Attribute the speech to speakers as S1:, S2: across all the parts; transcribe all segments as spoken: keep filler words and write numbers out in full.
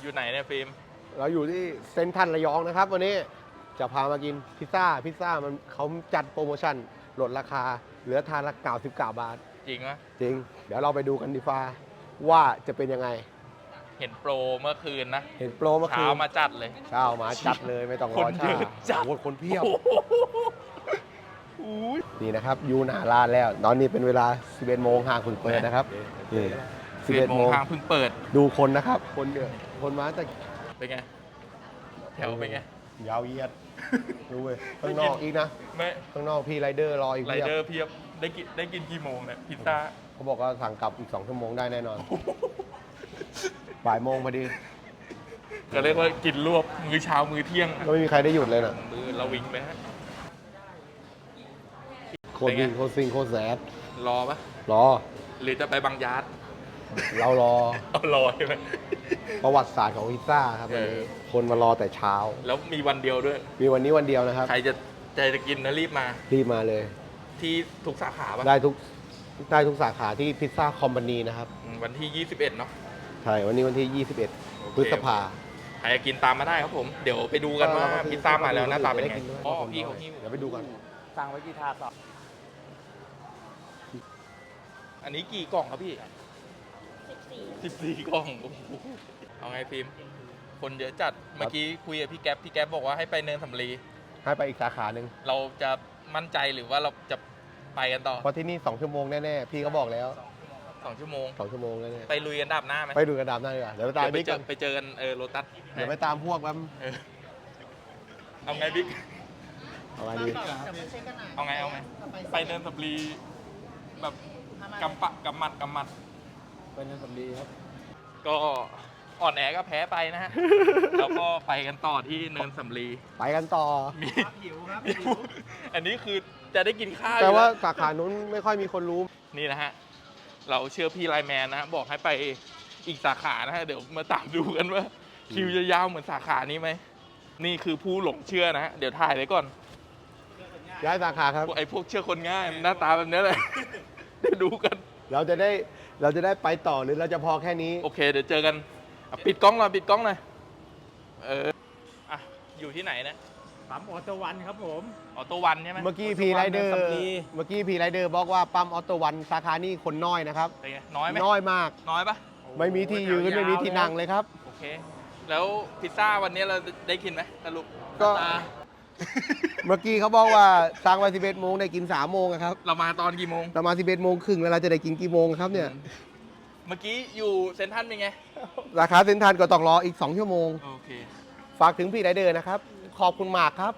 S1: อยู่ไหนเนี่ยฟิล์ม
S2: เราอยู่ที่เซ็นทรัลระยองนะครับวันนี้จะพามากินพิซซ่าพิซซ่ามันเขาจัดโปรโมชั่นลดราคาเหลือทานละเก้าสิบเก้าบาท
S1: จริงไหม
S2: จริงเดี๋ยวเราไปดูกันดีฟ้าว่าจะเป็นยังไง
S1: เห็นโปรเมื่อคืนนะ
S2: เห็นโปรเมื่อคืน
S1: เช้ามาจัดเลย
S2: เช้ามาจัดเลยไม่ต้องรอช้าจัดคนเพียบนี่นะครับยูหน้าร้านแล้วตอนนี้เป็นเวลาสิบเอ็ดโมงห่างเพิ่งเปิดนะครับนี่
S1: สิบเอ็ดโมงทางเพิ่งเปิด
S2: ดูคนนะครับคนเดือดคนมาแต่
S1: เป็นไงแถวเป็นไง
S2: ยาวเยียดดูเว้ยข้างนอกอีกนะ
S1: ไม่
S2: ข้างนอกพี่ไรเดอร์รออีก
S1: ไรเดอร์เพียบได้กินได้กินกี่โมงเนี่ยพิซซ่า
S2: เขาบอกว่าสั่งกลับอีกสองชั่วโมงได้แน่นอนบ่ายโมงพอดี
S1: ก็เรียกว่ากินรวบมื้อเช้ามื้อเที่ยง
S2: ไม่มีใครได้หยุดเลยนะ
S1: มือเราวิ่งไปฮะ
S2: โคตรวิ่งโคตรซิงโคตรแสบ
S1: รอปะ
S2: รอ
S1: หรือจะไปบางยาร์ด
S2: เรารอ
S1: เอารอใช่ไหม
S2: ประวัติศาสตร์ของพิซซ่าครับวันนี้คนมารอแต่เช้า
S1: แล้วมีวันเดียวด้วย
S2: มีวันนี้วันเดียวนะครับ
S1: ใครจะใจจะกินนะรีบมา
S2: รีบมาเลย
S1: ที่ทุกสาขาปะ
S2: ได้ทุกได้ทุกสาขาที่พิซซ่าคอมพานีนะครับ
S1: วันที่ยี่สิบเอ็ดเนาะ
S2: ใช่วันนี้วันที่ยี่สิบเอ็ดพฤษภา
S1: ใครจะกินตามมาได้ครับผมเดี๋ยวไปดูกันว่าพิซซ่ามาแล้วหน้าตาเป็นไงอ๋อพี่เขาหิ้ว
S2: เดี๋ยวไปดูกัน
S3: สั่งไว้กี่ถาดต่อ
S1: อันนี้กี่กล่องครับพี่สิบสี่กล่องเอาไงฟิล์มคนเยอะจัดเมื่อกี้คุยกับพี่แก๊ปพี่แก๊ปบอกว่าให้ไปเนินสำลี
S2: ให้ไปอีกสาขาหนึ่ง
S1: เราจะมั่นใจหรือว่าเราจะไปกันต่อ
S2: เพราะที่นี่สองชั่วโมงแน่ๆพี่เขาบอกแล้ว
S1: สองชั่วโมง
S2: สองชั่วโมงแน่
S1: ๆไปลุยกันดับหน้าไหม
S2: ไปดูกันดับหน้าดีกว่าเดี๋ยวไปตามบิ๊กกัน
S1: ไปเจอกันเออโรตัส
S2: เดี๋ยวไปตามพวกแป๊บ
S1: เอาไงบิ๊ก
S2: เอาไงดี
S1: เอาไงเอาไงไปเนินสำลีแบบกำปะกำมัดกำมัด
S2: ไปเนินสำลีครับ
S1: ก็อ่อนแอก็แพ้ไปนะฮะ แล้วก็ไปกันต่อที่เนินสำลี
S2: ไปกันต่อ
S1: มีหิวครับอันนี้คือจะได้กินข้าว
S2: แต่ว่าสาขานู้นไม่ค่อยมีคนรู้
S1: นี่นะฮะเราเชื่อพี่ไลแมนนะฮะบอกให้ไปอีกสาขานะฮะเดี๋ยวมาตามดูกันว่าคิวจะยาวเหมือนสาขานี้ไหมนี่คือผู้หลงเชื่อนะฮะเดี๋ยวถ่ายไว้ก่อน
S2: ย้ายสาขาครับ
S1: ไอ้พวกเชื่อคนง่ายหน้าตาแบบนี้เลยเดี๋ยวดูกัน
S2: เราจะได้เราจะได้ไปต่อหรือเราจะพอแค่นี้
S1: โอเคเดี๋ยวเจอกันปิดกล้องหน่อยปิดกล้องหน่อยเอออ่ะอยู่ที่ไหนนะ
S3: ปั๊มออโต้วันครับผม
S1: ออโต้วันใช่ไหม
S2: เมื่อกี้พีไรเดอร์เมื่อกี้พีไรเดอร์บอกว่าปั๊มออโต้วันสาขานี้คนน้อยนะครับ
S1: น้อยไหม
S2: น้อยมาก
S1: น้อยปะ
S2: ไม่มีที่ยืนไม่มีที่นั่งเลยครับ
S1: โอเคแล้วพิซซ่าวันนี้เราได้กินไหมสรุป
S2: ก็เมื่อกี้เขาบอกว่าสั่งไว้สิบเอ็ดโมงได้กินสามโมงครับ
S1: เรามาตอนกี่โมง
S2: เรามาสิบเอ็ดโมงครึ่งแล้วเราจะได้กินกี่โมงครับเนี่ย
S1: เมื่อกี้อยู่เซ็นทรัลเป็นไง
S2: ราคาเซ็นทรัลก็ต้องรออีกสองชั่วโมง
S1: โอเค
S2: ฝากถึงพี่ไรเดอร์นะครับขอบคุณมากครับ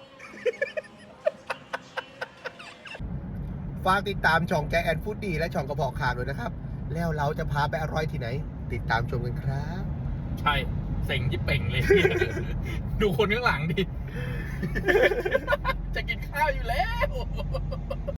S2: ฝากติดตามช่องแกแอนฟูดดีและช่องกระบอกข่าวด้วยนะครับแล้วเราจะพาไปอร่อยที่ไหนติดตามชมกันครับ
S1: ใช่เซ็งที่เป่งเลยดูคนข้างหลังดิจะกินข้าวอยู่แล้ว